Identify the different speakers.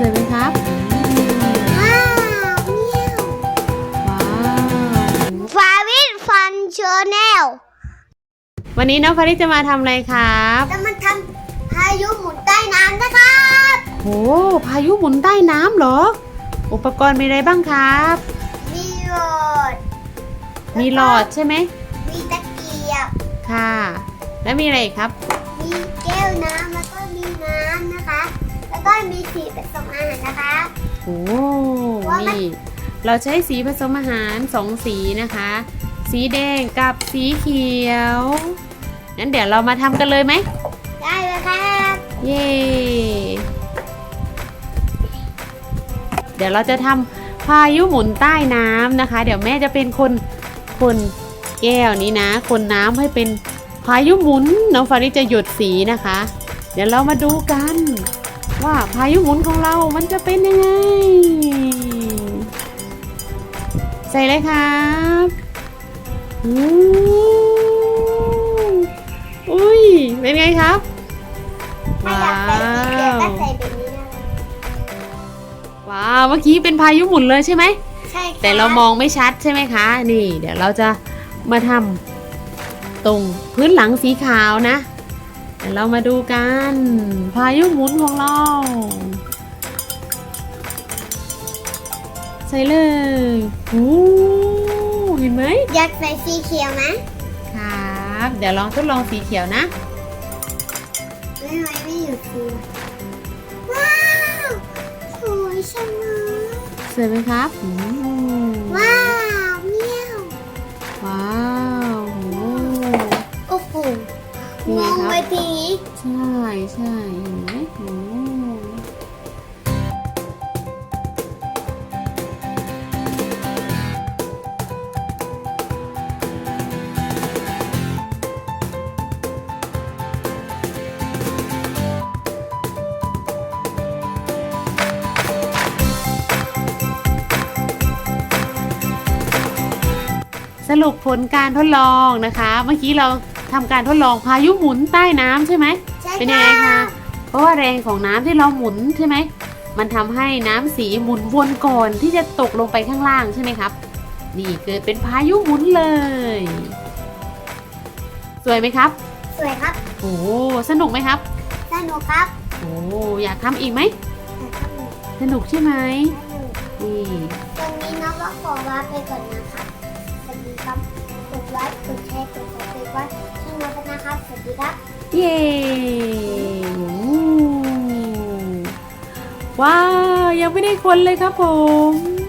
Speaker 1: วยไหมครับ
Speaker 2: ว้าวเมียว
Speaker 1: ว้าว
Speaker 2: ฟาวิทฟันชาแนล
Speaker 1: วันนี้น้องฟาริสจะมาทำอะไรครับ
Speaker 2: จะมาทำพายุหมุนใต้น้ำนะครับ
Speaker 1: โอ้พายุหมุนใต้น้ำเหรออุปกรณ์มีอะไรบ้างครับ
Speaker 2: มีหลอด
Speaker 1: มีหลอดใช่ไหม
Speaker 2: มีตะเกียบ
Speaker 1: ค่ะแล้วมีอะไรอีกครับ
Speaker 2: มีแก้วน้ำแล้วก็มีน้ำนะคะแล้วก็มีสีผสมอาหารนะคะ
Speaker 1: โอ้นี่เราใช้สีผสมอาหาร2สีนะคะสีแดงกับสีเขียวงั้นเดี๋ยวเรามาทำกันเลยไหม
Speaker 2: ได้เลยครับ
Speaker 1: เย้เดี๋ยวเราจะทำพายุหมุนใต้น้ำนะคะเดี๋ยวแม่จะเป็นคนแก้วนี้นะคนน้ำให้เป็นพายุหมุนน้องฟาริสจะหยดสีนะคะเดี๋ยวเรามาดูกันว่าพายุหมุนของเรามันจะเป็นยังไงใส่เลยครับอุ้ยเป็นไงครับ
Speaker 2: ถ้าอยากใส่สีเขียวก็ใส่แบบนี้นะ
Speaker 1: ว้าวเมื่อกี้เป็นพายุหมุนเลยใช่ไหม
Speaker 2: ใช่ค่ะ
Speaker 1: แต่เรามองไม่ชัดใช่ไหมคะนี่เดี๋ยวเราจะมาทำตรงพื้นหลังสีขาวนะเดี๋ยวเรามาดูกันพายุหมุนของเราใส่เลยโอ้เห็นไหม
Speaker 2: อยากใส่สีเขียวนะครับ
Speaker 1: เดี๋ยวลองทดลองสีเขียวนะ
Speaker 2: ไม่อยู่สีว้าวสวยจังเลย
Speaker 1: สวยไหมครับ
Speaker 2: ว้าวเมียว
Speaker 1: ว้าว
Speaker 2: โอ้โหมองไปทีนี้
Speaker 1: ใช่เห็นไหมสรุปผลการทดลองนะคะเมื่อกี้เราทำการทดลองพายุหมุนใต้น้ำใช่ไหม
Speaker 2: ใช่
Speaker 1: เป็นยังไงคะเพราะว่าแรงของน้ำที่เราหมุนใช่ไหมมันทำให้น้ำสีหมุนวนก่อนที่จะตกลงไปข้างล่างใช่ไหมครับนี่เกิดเป็นพายุหมุนเลยสวยไหมครับ
Speaker 2: สวยครับ
Speaker 1: โอ้สนุกไหมครับ
Speaker 2: สนุกครับ
Speaker 1: โอ้อยากทำอีกไหมสนุกใช่ไหมนี่
Speaker 2: ตรงนี้น้องก็ขอลาไปก่อนนะครับสวัสดีครับกดไลค์กดแชร์กดซับสไครบ์ไว้ช่องน้องนะครับสวัสดีครับ
Speaker 1: เย้ว้าวยังไม่ได้คนเลยครับผม